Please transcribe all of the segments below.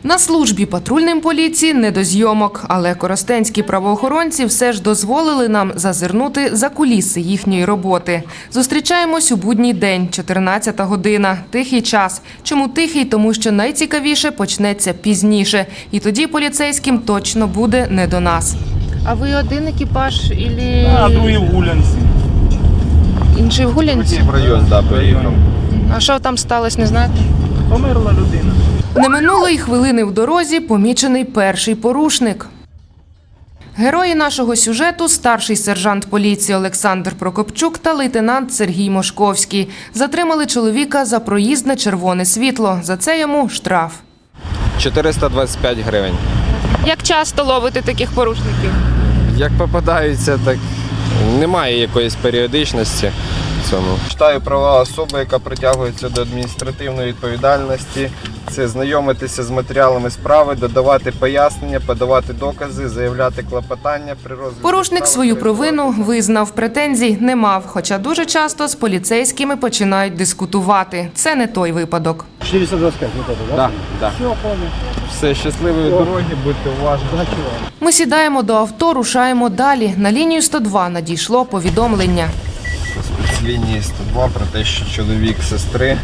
На службі патрульним поліції не до зйомок, але коростенські правоохоронці все ж дозволили нам зазирнути за куліси їхньої роботи. Зустрічаємось у будній день, 14-та година. Тихий час. Чому тихий? Тому що найцікавіше почнеться пізніше. І тоді поліцейським точно буде не до нас. А ви один екіпаж ілі... А другий в Гулянці. Інший в Гулянці? В район, так, поїхав. А що там сталося, не знаєте? Померла людина. Не минуло й хвилини в дорозі помічений перший порушник. Герої нашого сюжету – старший сержант поліції Олександр Прокопчук та лейтенант Сергій Мошковський. Затримали чоловіка за проїзд на червоне світло. За це йому штраф. 425 гривень. Як часто ловите таких порушників? Як попадаються, так немає якоїсь періодичності в цьому. Читаю права особи, яка притягується до адміністративної відповідальності. Це знайомитися з матеріалами справи, додавати пояснення, подавати докази, заявляти клопотання при розгляді Порушник справи. свою провину визнав, претензій не мав, хоча дуже часто з поліцейськими починають дискутувати. Це не той випадок. 425, вот это, да? Да. Все, понял. Все, щасливої дороги, будьте уважні. Ми сідаємо до авто, рушаємо далі. На лінію 102 надійшло повідомлення. Спецлінії 102 про те, що чоловік сестри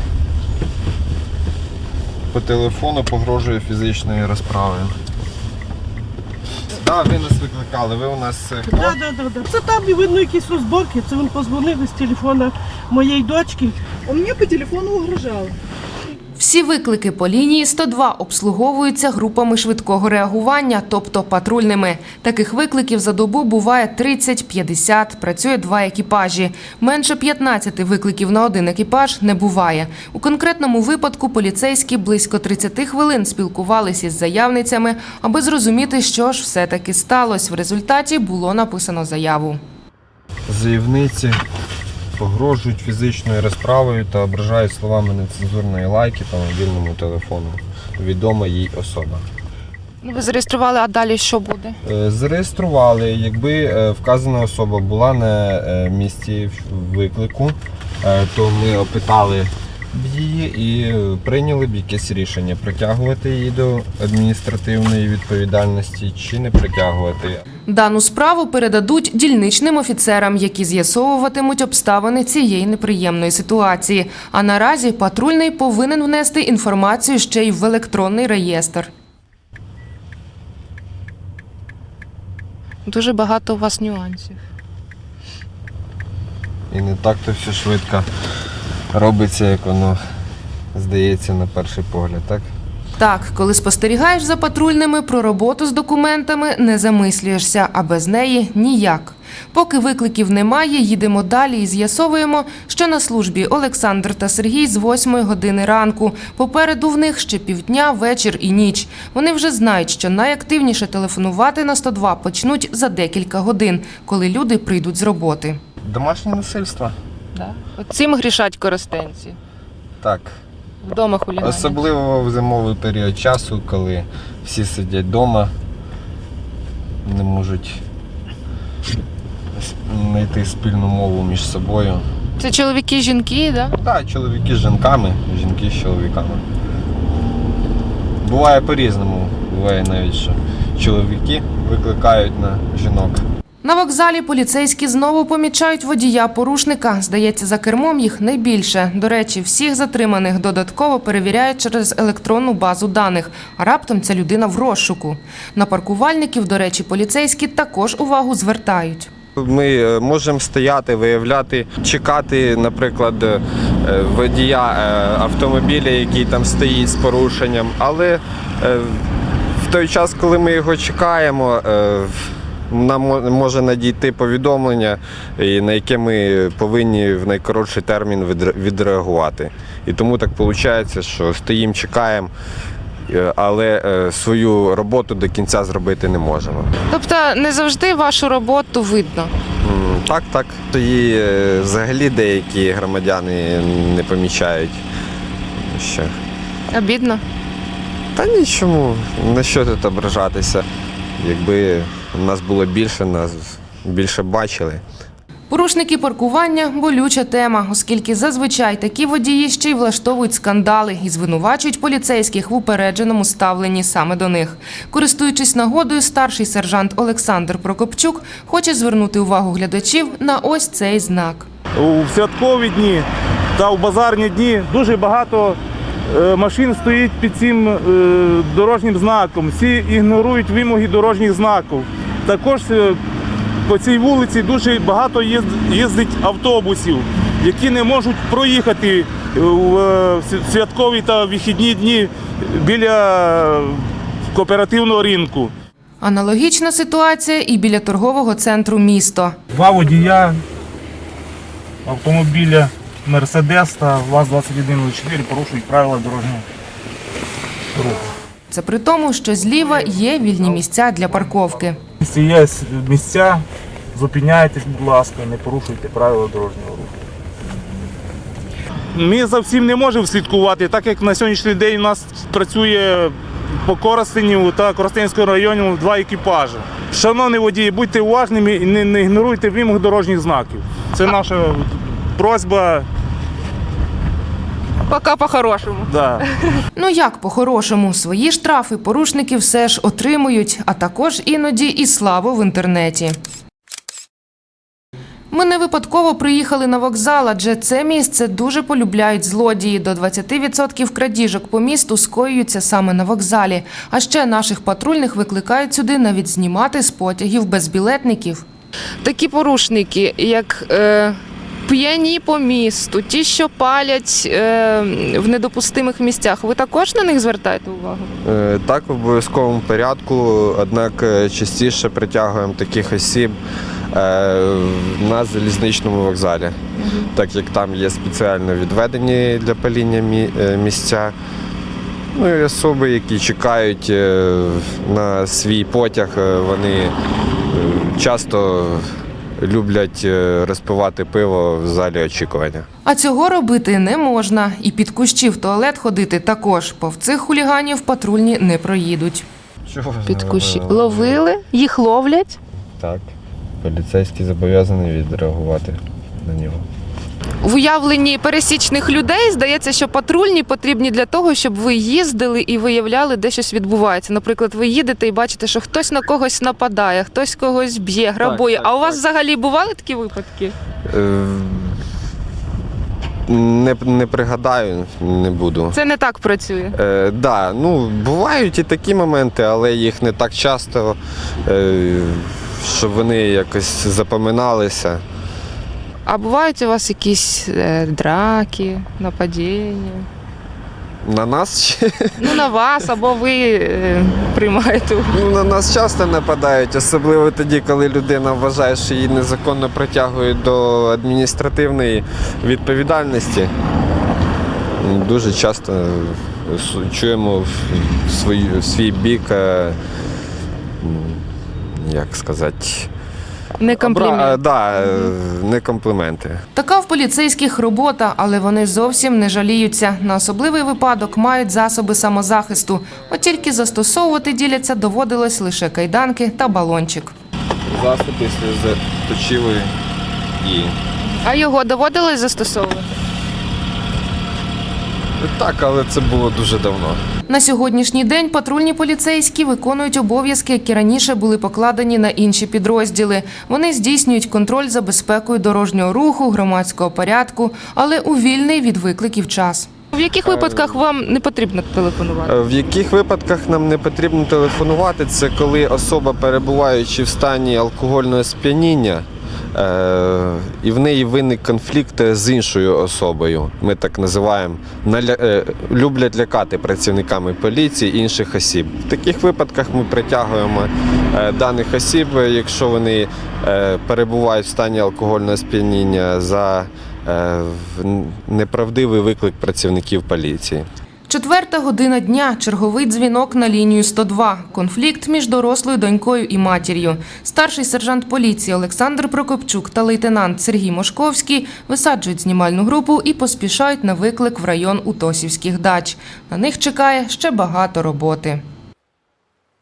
по телефону погрожує фізичною розправою. Так, ви нас викликали, ви у нас хто? Да. Це там і видно якісь розборки. Це він позвонив із телефона моєї дочки. Он мне по телефону угрожал. Всі виклики по лінії 102 обслуговуються групами швидкого реагування, тобто патрульними. Таких викликів за добу буває 30-50, працює 2 екіпажі. Менше 15 викликів на один екіпаж не буває. У конкретному випадку поліцейські близько 30 хвилин спілкувалися із заявницями, аби зрозуміти, що ж все-таки сталося. В результаті було написано заяву. Заявниці погрожують фізичною розправою та ображають словами нецензурної лайки по мобільному телефону. Відома їй особа. Ви зареєстрували, а далі що буде? Зареєстрували, якби вказана особа була на місці виклику, то ми опитали б її і прийняли б якесь рішення, притягувати її до адміністративної відповідальності чи не притягувати. Дану справу передадуть дільничним офіцерам, які з'ясовуватимуть обставини цієї неприємної ситуації. А наразі патрульний повинен внести інформацію ще й в електронний реєстр. Дуже багато у вас нюансів. І не так-то все швидко робиться, як воно здається на перший погляд, так? Так, коли спостерігаєш за патрульними, про роботу з документами не замислюєшся, а без неї – ніяк. Поки викликів немає, їдемо далі і з'ясовуємо, що на службі Олександр та Сергій з 8 години ранку. Попереду в них ще півдня, вечір і ніч. Вони вже знають, що найактивніше телефонувати на 102 почнуть за декілька годин, коли люди прийдуть з роботи. Домашнє насильство? От цим грішать коростенці. Так. Вдома хуліганять. Особливо в зимовий період часу, коли всі сидять вдома, не можуть знайти спільну мову між собою. Це чоловіки, жінки, так? Так, чоловіки з жінками, жінки з чоловіками. Буває по-різному. Буває навіть, що чоловіки викликають на жінок. На вокзалі поліцейські знову помічають водія-порушника. Здається, за кермом їх найбільше. До речі, всіх затриманих додатково перевіряють через електронну базу даних. А раптом ця людина в розшуку. На паркувальників, до речі, поліцейські також увагу звертають. Ми можемо стояти, виявляти, чекати, наприклад, водія автомобіля, який там стоїть з порушенням. Але в той час, коли ми його чекаємо, нам може надійти повідомлення, на яке ми повинні в найкоротший термін відреагувати. І тому так виходить, що стоїмо, чекаємо, але свою роботу до кінця зробити не можемо. Тобто не завжди вашу роботу видно? Так. І взагалі деякі громадяни не помічають. Що. Обідно? Та нічому, на що тут ображатися. Якби нас було більше, нас більше бачили. Порушники паркування – болюча тема, оскільки зазвичай такі водії ще й влаштовують скандали і звинувачують поліцейських в упередженому ставленні саме до них. Користуючись нагодою, старший сержант Олександр Прокопчук хоче звернути увагу глядачів на ось цей знак. У святкові дні та у базарні дні дуже багато машин стоїть під цим дорожнім знаком. Всі ігнорують вимоги дорожніх знаків. Також по цій вулиці дуже багато їздить автобусів, які не можуть проїхати в святкові та вихідні дні біля кооперативного ринку. Аналогічна ситуація і біля торгового центру «Місто». Два водія автомобіля «Мерседес» та ВАЗ-2104 порушують правила дорожнього руху. Це при тому, що зліва є вільні місця для парковки. Якщо є місця, зупиняйтесь, будь ласка, не порушуйте правила дорожнього руху. Ми за всім не можемо слідкувати, так як на сьогоднішній день у нас працює по Коростеню та Коростенському районі два екіпажі. Шановні водії, будьте уважними і не ігноруйте вимог дорожніх знаків. Це наша просьба. Поки по-хорошому. Да. Ну як по-хорошому? Свої штрафи порушники все ж отримують, а також іноді і славу в інтернеті. Ми не випадково приїхали на вокзал, адже це місце дуже полюбляють злодії. До 20% крадіжок по місту скоюються саме на вокзалі. А ще наших патрульних викликають сюди навіть знімати з потягів безбілетників. Такі порушники, як п'яні по місту, ті, що палять в недопустимих місцях, ви також на них звертаєте увагу? Так, в обов'язковому порядку, однак частіше притягуємо таких осіб на залізничному вокзалі, так як там є спеціально відведені для паління місця. Ну і особи, які чекають на свій потяг, вони часто люблять розпивати пиво в залі очікування. А цього робити не можна. І під кущі в туалет ходити також. Повз цих хуліганів патрульні не проїдуть. Під Кущі ловили? Їх ловлять? Так. Поліцейський зобов'язаний відреагувати на нього. В уявленні пересічних людей здається, що патрульні потрібні для того, щоб ви їздили і виявляли, де щось відбувається. Наприклад, ви їдете і бачите, що хтось на когось нападає, хтось когось б'є, грабує. Так, а у вас так. взагалі бували такі випадки? Не пригадаю, не буду. Це не так працює. Да, ну, бувають і такі моменти, але їх не так часто, щоб вони якось запоминалися. А бувають у вас якісь драки, нападіння? На нас ще? Ну, на вас, або ви приймаєте. Ну, на нас часто нападають, особливо тоді, коли людина вважає, що її незаконно притягують до адміністративної відповідальності. Дуже часто чуємо в свій бік, як сказати, Не комплімент. Да, не компліменти. Така в поліцейських робота, але вони зовсім не жаліються. На особливий випадок мають засоби самозахисту. От тільки застосовувати, діляться, доводилось лише кайданки та балончик. Засоби сльозоточивої і... А його доводилось застосовувати? Так, але це було дуже давно. На сьогоднішній день патрульні поліцейські виконують обов'язки, які раніше були покладені на інші підрозділи. Вони здійснюють контроль за безпекою дорожнього руху, громадського порядку, але у вільний від викликів час. В яких випадках вам не потрібно телефонувати? В яких випадках нам не потрібно телефонувати, це коли особа, перебуваючи в стані алкогольного сп'яніння, і в неї виник конфлікт з іншою особою. Ми так називаємо, люблять лякати працівниками поліції інших осіб. В таких випадках ми притягуємо даних осіб, якщо вони перебувають в стані алкогольного сп'яніння, за неправдивий виклик працівників поліції. 4 година дня. Черговий дзвінок на лінію 102. Конфлікт між дорослою донькою і матір'ю. Старший сержант поліції Олександр Прокопчук та лейтенант Сергій Мошковський висаджують знімальну групу і поспішають на виклик в район Утосівських дач. На них чекає ще багато роботи.